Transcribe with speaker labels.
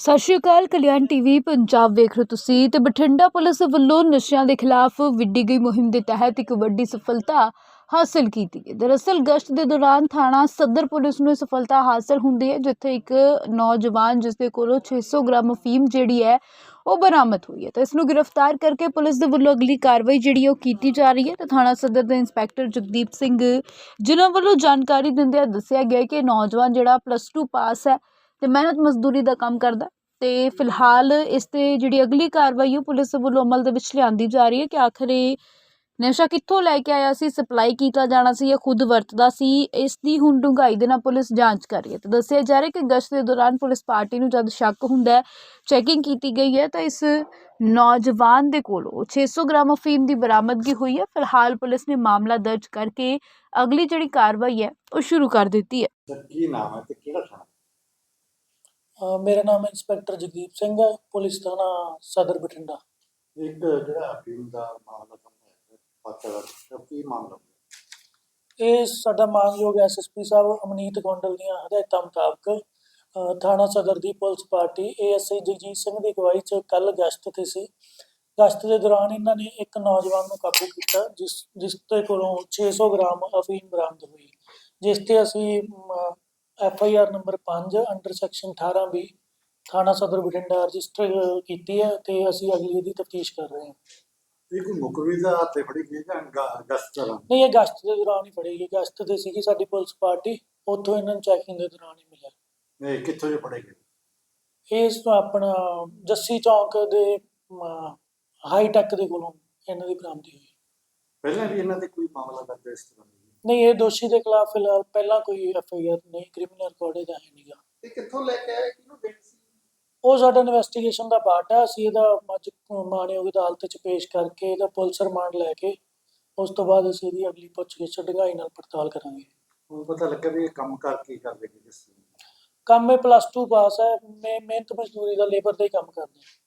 Speaker 1: ਸਤਿ ਸ਼੍ਰੀ ਅਕਾਲ। ਕਲਿਆਣ ਟੀਵੀ ਪੰਜਾਬ ਵੇਖ ਰਹੇ ਹੋ ਤੁਸੀਂ ਤੇ ਬਠਿੰਡਾ ਪੁਲਿਸ ਵੱਲੋਂ ਨਸ਼ਿਆਂ ਦੇ ਖਿਲਾਫ ਵਿੱਢੀ ਗਈ ਮੁਹਿੰਮ ਦੇ ਤਹਿਤ ਇੱਕ ਵੱਡੀ ਸਫਲਤਾ ਹਾਸਲ ਕੀਤੀ ਹੈ। ਦਰਅਸਲ ਗਸ਼ਤ ਦੇ ਦੌਰਾਨ ਥਾਣਾ ਸਦਰ ਪੁਲਿਸ ਨੂੰ ਇਹ ਸਫਲਤਾ ਹਾਸਲ ਹੁੰਦੀ ਹੈ, ਜਿੱਥੇ ਇੱਕ ਨੌਜਵਾਨ ਜਿਸ ਦੇ ਕੋਲੋਂ 600 ਗ੍ਰਾਮ ਅਫੀਮ ਜਿਹੜੀ ਹੈ ਉਹ ਬਰਾਮਦ ਹੋਈ ਹੈ। ਤਾਂ ਇਸ ਨੂੰ ਗ੍ਰਿਫਤਾਰ ਕਰਕੇ ਪੁਲਿਸ ਦੇ ਵੱਲੋਂ ਅਗਲੀ ਕਾਰਵਾਈ ਜਿਹੜੀ ਉਹ ਕੀਤੀ ਜਾ ਰਹੀ ਹੈ। ਤੇ ਥਾਣਾ ਸਦਰ ਦੇ ਇੰਸਪੈਕਟਰ ਜਗਦੀਪ ਸਿੰਘ ਜਿਨ੍ਹਾਂ ਵੱਲੋਂ ਜਾਣਕਾਰੀ ਦਿੰਦਿਆਂ ਦੱਸਿਆ ਗਿਆ ਕਿ ਨੌਜਵਾਨ ਜਿਹੜਾ +2 ਪਾਸ ਹੈ ਤੇ ਮਿਹਨਤ ਮਜ਼ਦੂਰੀ ਦਾ ਕੰਮ ਕਰਦਾ ਤੇ ਫਿਲਹਾਲ ਇਸ ਤੇ ਜਿਹੜੀ ਅਗਲੀ ਕਾਰਵਾਈ ਉਹ ਪੁਲਿਸ ਵੱਲੋਂ ਅਮਲ ਦੇ ਵਿੱਚ ਲਿਆਂਦੀ ਜਾ ਰਹੀ ਹੈ ਕਿ ਆਖਰ ਇਹ ਨਸ਼ਾ ਕਿੱਥੋਂ ਲੈ ਕੇ ਆਇਆ ਸੀ, ਸਪਲਾਈ ਕੀਤਾ ਜਾਣਾ ਸੀ ਜਾਂ ਖੁਦ ਵਰਤਦਾ ਸੀ। ਇਸ ਦੀ ਹੁਣ ਡੂੰਘਾਈ ਦੇ ਨਾਲ ਪੁਲਿਸ ਜਾਂਚ ਕਰ ਰਹੀ ਹੈ। ਤੇ ਦੱਸਿਆ ਜਾ ਰਿਹਾ ਕਿ ਗਸ਼ਤ ਦੇ ਦੌਰਾਨ ਪੁਲਿਸ ਪਾਰਟੀ ਨੂੰ ਜਦ ਸ਼ੱਕ ਹੁੰਦਾ ਹੈ, ਚੈਕਿੰਗ ਕੀਤੀ ਗਈ ਹੈ ਤਾਂ ਇਸ ਨੌਜਵਾਨ ਦੇ ਕੋਲੋਂ 600 ਗ੍ਰਾਮ ਅਫੀਮ ਦੀ ਬਰਾਮਦਗੀ ਹੋਈ ਹੈ। ਫਿਲਹਾਲ ਪੁਲਿਸ ਨੇ ਮਾਮਲਾ ਦਰਜ ਕਰਕੇ ਅਗਲੀ ਜਿਹੜੀ ਕਾਰਵਾਈ ਹੈ ਉਹ ਸ਼ੁਰੂ ਕਰ ਦਿੱਤੀ ਹੈ।
Speaker 2: ਸਰ ਕੀ ਨਾਮ ਹੈ ਤੇ ਕਿਹੜਾ ਥਾਣਾ?
Speaker 3: ਮੇਰਾ ਨਾਮ ਇੰਸਪੈਕਟਰ ਜਗਦੀਪ ਸਿੰਘ ਹੈ, ਪੁਲਿਸ ਥਾਣਾ ਸਦਰ ਬਠਿੰਡਾ।
Speaker 2: ਇੱਕ ਜਿਹੜਾ ਅਫੀਮ ਦਾ ਮਾਮਲਾ ਸਾਹਮਣੇ ਆਇਆ ਪਾਤਰ ਕੀ ਮਾਮਲਾ?
Speaker 3: ਇਹ ਸਾਡਾ ਮਾਨਯੋਗ ਐਸਐਸਪੀ ਸਾਹਿਬ ਅਮਨੀਤ ਗੋਂਡਲ ਦੀਆਂ ਹਦਾਇਤਾਂ ਮੁਤਾਬਕ ਥਾਣਾ ਸਦਰ ਦੀ police party ASI Jagjit Singh ਦੀ ਅਗਵਾਈ 'ਚ ਕੱਲ੍ਹ ਗਸ਼ਤ 'ਤੇ ਸੀ। ਗਸ਼ਤ ਦੇ ਦੌਰਾਨ ਇਹਨਾਂ ਨੇ ਇੱਕ ਨੌਜਵਾਨ ਨੂੰ ਕਾਬੂ ਕੀਤਾ ਜਿਸ ਦੇ ਕੋਲੋਂ 600 ਗ੍ਰਾਮ ਅਫੀਮ ਬਰਾਮਦ ਹੋਈ, ਜਿਸ 'ਤੇ ਅਸੀਂ FIR number 5 under section 18B ਥਾਣਾ ਸਦਰ ਬਠਿੰਡਾ ਰਜਿਸਟਰ ਕੀਤੀ ਹੈ ਤੇ ਅਸੀਂ ਅਗਲੀ ਦੀ ਤਫਤੀਸ਼ ਕਰ ਰਹੇ ਹਾਂ।
Speaker 2: ਇਹ ਕੋਈ ਮੁਕਰਰੀ ਦਾ ਹੱਥੇ ਫੜੀ ਗਈ ਜਾਂ ਗਸ਼ਤ ਦੌਰਾਨ?
Speaker 3: ਨਹੀਂ, ਇਹ ਗਸ਼ਤ ਦੇ ਦੌਰਾਨ ਹੀ ਫੜੀ ਗਈ। ਗਸ਼ਤ ਤੇ ਸੀਗੀ ਸਾਡੀ ਪੁਲਿਸ ਪਾਰਟੀ, ਉੱਥੋਂ ਇਹਨਾਂ ਨੂੰ ਚੈਕਿੰਗ ਦੇ ਦੌਰਾਨ ਹੀ ਮਿਲਿਆ।
Speaker 2: ਇਹ ਕਿੱਥੋਂ ਜੇ ਫੜੇ ਗਏ?
Speaker 3: ਇਸ ਤੋਂ ਆਪਣਾ ਜੱਸੀ ਚੌਂਕ ਦੇ ਹਾਈਟੈਕ ਦੇ ਕੋਲੋਂ ਇਹਨਾਂ ਦੀ ਬਰਾਮਦੀ ਹੋਈ।
Speaker 2: ਪਹਿਲਾਂ ਵੀ ਇਹਨਾਂ ਤੇ ਕੋਈ ਮਾਮਲਾ ਦਰਜ ਇਸ ਤਰ੍ਹਾਂ ਦਾ?
Speaker 3: ਨਹੀਂ, ਇਹ ਦੋਸ਼ੀ ਦੇ ਖਿਲਾਫ ਫਿਲਹਾਲ ਪਹਿਲਾਂ ਕੋਈ FIR ਨਹੀਂ, ਕ੍ਰਿਮੀਨਲ ਰਿਕਾਰਡ ਇਹਦਾ ਹੈ ਨਹੀਂਗਾ।
Speaker 2: ਇਹ ਕਿੱਥੋਂ ਲੈ ਕੇ ਆਇਆ, ਕਿਹਨੂੰ ਦੇਣੀ ਸੀ?
Speaker 3: ਉਹ ਸਾਡਾ ਇਨਵੈਸਟੀਗੇਸ਼ਨ ਦਾ ਪਾਰਟ ਹੈ। ਅਸੀਂ ਇਹਦਾ ਅੱਜ ਮਾਣਯੋਗ ਅਦਾਲਤ 'ਚ ਪੇਸ਼ ਕਰਕੇ ਇਹਦਾ ਪੁਲਿਸ ਰਿਮਾਂਡ ਲੈ ਕੇ ਉਸ ਤੋਂ ਬਾਅਦ ਅਸੀਂ ਇਹਦੀ ਅਗਲੀ ਪੁੱਛਗਿੱਛ ਡੂੰਘਾਈ ਨਾਲ ਪੜਤਾਲ ਕਰਾਂਗੇ।
Speaker 2: ਹੁਣ ਪਤਾ ਲੱਗਾ ਵੀ ਇਹ ਕੰਮ ਕਰ ਕੀ ਕਰਦੇ ਕਿਸ
Speaker 3: ਕੰਮ ਇਹ +2 ਪਾਸ ਹੈ, ਮਿਹਨਤ ਮਜ਼ਦੂਰੀ ਦਾ ਲੇਬਰ ਦਾ ਹੀ ਕੰਮ ਕਰਦੇ।